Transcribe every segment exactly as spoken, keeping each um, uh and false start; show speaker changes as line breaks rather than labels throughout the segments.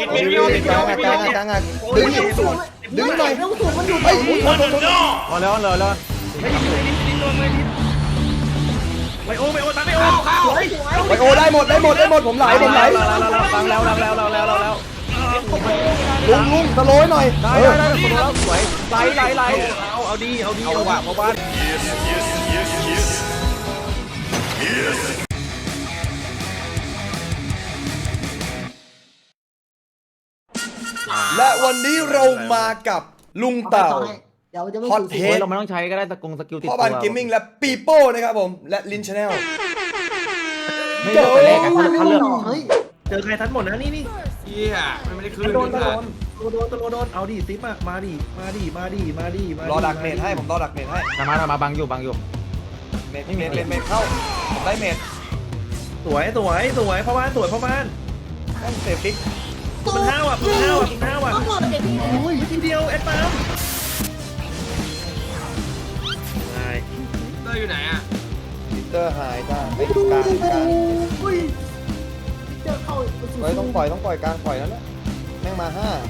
มีมีมี
กลางอ่ะกลางอ่ะกลางอ่ะดึงดึงหน่อยไอ้โอ้โห
พอแล้วเลยเลย
ไม่ดิ้นไม่ดิ้นดิ้นโดนไม่ดิ้นไวโอไวโอตามไวโอเข้า
ไวโอได้หมดได้หมดได้หมดผมไหลผมไหล
แล้วแล้วแล้วแล้วแล้วแล้วแล้วแล้ว
ลุงลุงสโลยหน่อย
ได้
เอ
ได้
อ
ได้แล้วสวยไหลไหลไหล
เอาเอาดีเอาดี
เอาว่ะเพราะบ้าน
และวันนี้เรามากับลุงเต่า
เดี๋ยวจะไม่
ฮอต
ถูก
เท
เฮ้ย
ส
เราไม่ต้องใช้ก็ได้สกงสกิลติด
พ่อ
ตัว
บ้านเกมมิ่งและปีโป้นะครับผมและลินชาแนล
ไม่เลือกแต่แรกอะเขาเขาเลือก
เฮ้ย
เจอใครทันหมดนะนี่นี่
เฮียมันไม่ได้คืน
โดนตะโดนตะโดนตะโดนเอาดิซิปอะมาดิมาดิมาดิมาดิมาร
อดักเมดให้ผมรอดักเมดให้
ทำมาทำมาบังอยู่บังอยู่
เมดเมดเมดเมดเข้าผมได้เมด
สวยสวยสวยพ่อบ้านสวยพ่อบ้าน
ต้องเซฟฟิก
มันห้าวอ่ะมันห้าวอ่ะมันห้าวอ่ะ
ต้องหมดเด็กพี่
อุ้ยทีเดียวเอ็ดปามไง
เตอร์อยู่ไหนอ่ะ
ลิเตอร์หายจ้าไอ้กลางกลาง
อุ้ยเจอเข้า
เฮ้ยต้องปล่อยต้องปล่อยกลางปล่อยแล้วนะแม่งมาห้า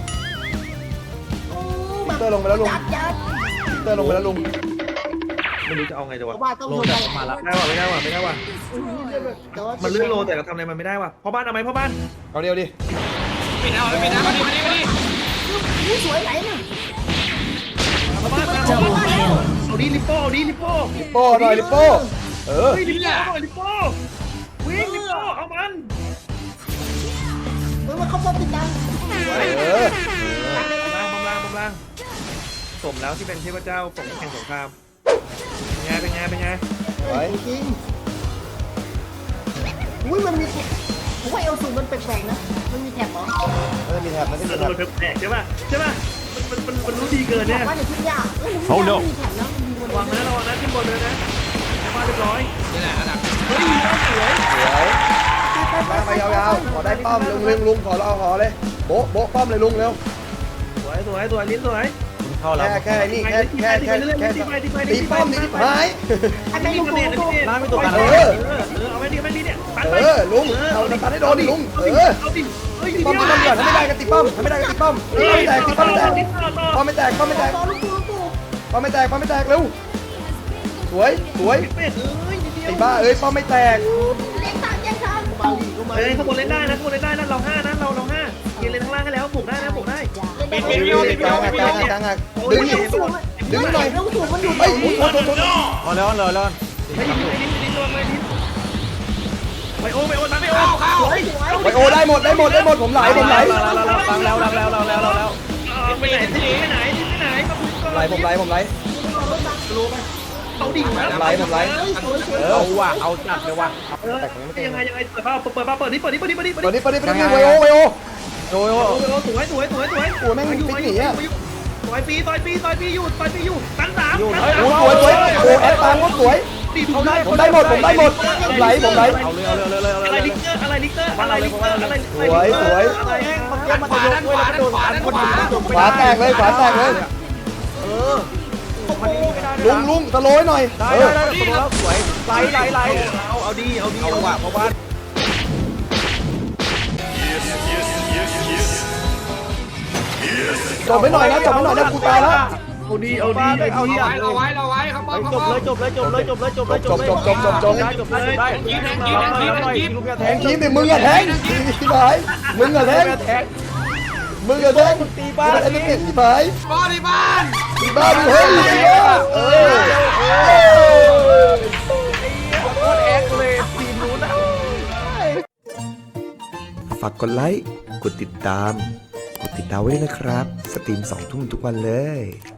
ลิเตอร์ลงไปแล้วลุง
จัดยัด
ลิเตอร์ลงไปแล้วลุง
ไม่รู้จะเอาไงจะวะ
บ้านต้อง
โล
โดน
จะมาละ
ได้ว่ะไม่ได้ว่ะไม่ได้ว่ะ
แต่ว่า
มันลื่นโลแต่เราทำอะไรมันไม่ได้ว่ะพ่อบ้านเอาไหมพ่อบ้าน
เอาเดียวดิ
ปิดเอาปิดเอามาดิมาดิมาดิ
อุ้ยสวยไหนเนี่ย
พ่อบ้านมาพ่อบ้านเอาดิลิปโป้เอาดิลิปโป้
ลิปโป้หน่อยลิปโป้เออ
เฮ้ยลิปโป้หน่อยลิปโป้วิ่งลิปโป้เอามัน
เฮ้ยมันเข้าป้อมติดดัง
เออ
ล่างบำล่างบำล่างสมแล้วที่เป็นเทพเจ้าของแข่งสงครามเป็นไงเป็นไงเป็นไง
ไว้
จริงอุ้ยมันมีผมว่าเอลสูงมันแปลกๆนะมันมีแถบเหรอ
เออมีแถบมันที่
มั
มี
น
แถบ
มันแปลกใช่ป่ะใช่ป่ะมันมันมันรู้ดีเกินเนี่ย
ว่าอย่าคิดยากเอ้ยผมไม่มีแถบนะมันมีมัน
วางนะระวังนะขึ้นบนเลยนะมาเรียบร้อย
นี่แหละระดับ
เฮ้ยสวย
สวยมาไปยาวๆขอได้ป้อมลุงลุงลุงขอเราขอเลยโบ๊ะโบ๊ะป้อมเลยลุงเร็ว
สวยสวยสวยลิ้นสวย
เข้าแล้ว
แค่แค่นี่แค่แค่แค่แค่ตีป้อมนี่หาย
ไอ้แม่งลูก
เด็ด
ตัว
เด็ด
น้ำไม่ตกกัน
เอ
เล
อย เออเอาไว้ดิไม่ดีเนี่ยตัดไป
เออลุงเอาตีป้อมให้โดนดิลุงเออ
เอาดิเฮ้ย
ตีป้อมตีป้อมก่อนถ้าไม่ได้ก็ตีป้อมถ้าไม่ได้ก็ตีป้อมป้อมไม่แตกตีป้อมไม่แตกป้อมไม่แตกป้อมไม่แตก
ต่อลูกตัวลูกตัว
ป้อมไม่แตกป้อมไม่แตกเร็วสวยสวย
เป็ดเอ้ยนิดเดียว
ไอ้บ้าเอ้ยป้อมไม่แตก
เล่นตามแย่งทันมาดีก็มา
เฮ้ยข้างบนเล่นได้นะข้างบนเล่นได้นะเราห้านะเราเราห้าเกณฑ์เล่นข้างล่างให้แล้วปลุกได้นะปลุกได้
ปิดปิดปิดปิด
กลางอ่ะกลางอ่ะกลางอ่ะดึงดึงหน่อย
ลูกตัวมันอยู่
เฮ้ยโทษโทษโทษ
พอแล้วเลยเลย
ไม่ดิ้นไม่ดิ้นไม่ดิ้นโดนไม่ดิ้นไวโอไวโอตามไวโอ
เข้าเข้า
สวยสวย
ไวโอได้หมดได้หมดได้หมดผมไหลผมไหล
แล้วแล้วแล้วแล้วแล้วแล้วแล้ว
ไปไหนไปไหนไปไหนมาคุยก่อน
ไหลผมไหลผมไหล
เอาดิ่งมา
ไหลผมไหลเออ
เอาว่ะเอาจัดเลยว่ะ
เออยังไงยังไงเปิดเปิดเปิดเปิดนี่เปิดนี่เปิดนี่เปิดนี่เปิด
ตอน
นี่
นี้ปนี้ปนี้ไวโอไวโอ
โอ้ย
โอ้โหสวยสวยสวยสวย
โอ้แม่งฟิกหนีอ่ะ
ต่อยปีต่อยปีต่อยปีอยู่ต่อยปีอยู่ตันสาม
โอ้สวยสวยโอ้แอดตามก็สวย
ตีเขาได้
ผมได้หมดผมได้หมดผมไหลผมไหล
เอาเลยเอาเลยเอาเลยเอา
อะไร
เลย
ลิกเตอร์อะไรลิกเตอร์อะไรลิกเตอร์อะไร
สวยสวย
อะไร
ขวาด้านขวาด้านขวาด้านขวา
ขวาแตกเลยขวาแตกเลย
เออ
ลุงลุงสโลยหน่อย
ได้
เอ
ได้
อ
ได้สมแล้วสวยไหลไหลไหล
เอาเอาดีเอาดี
เอา
เอา
ว่ะเพราะบ้าน
จบไปหน่อยนะจบไปหน่อยนะกูตายแล้ว
เอาดีเอาดีเอาดี
เราไว้เราไว้ครับป้อม
จบเลยจบเลยจบเลยจบเลยจบเลยจบเลยจบได้จบได้ลูกแท
แท
ง
งทีมดิมึงอะแทงที่ไหนมึงอะแทง
แทง
มึงอะแทง
ตีบ้าน
ไอ้นี่ที่ไหน
ป้อที่บ้าน
ที่บ้านมึงเฮ้ยเออ
โคตรแอคเลยทีมนู้นนะ
ฝากกดไลค์ กดติดตาม กดติดดาวไว้ด้วยนะครับ สตรีมสองทุ่มทุกวันเลย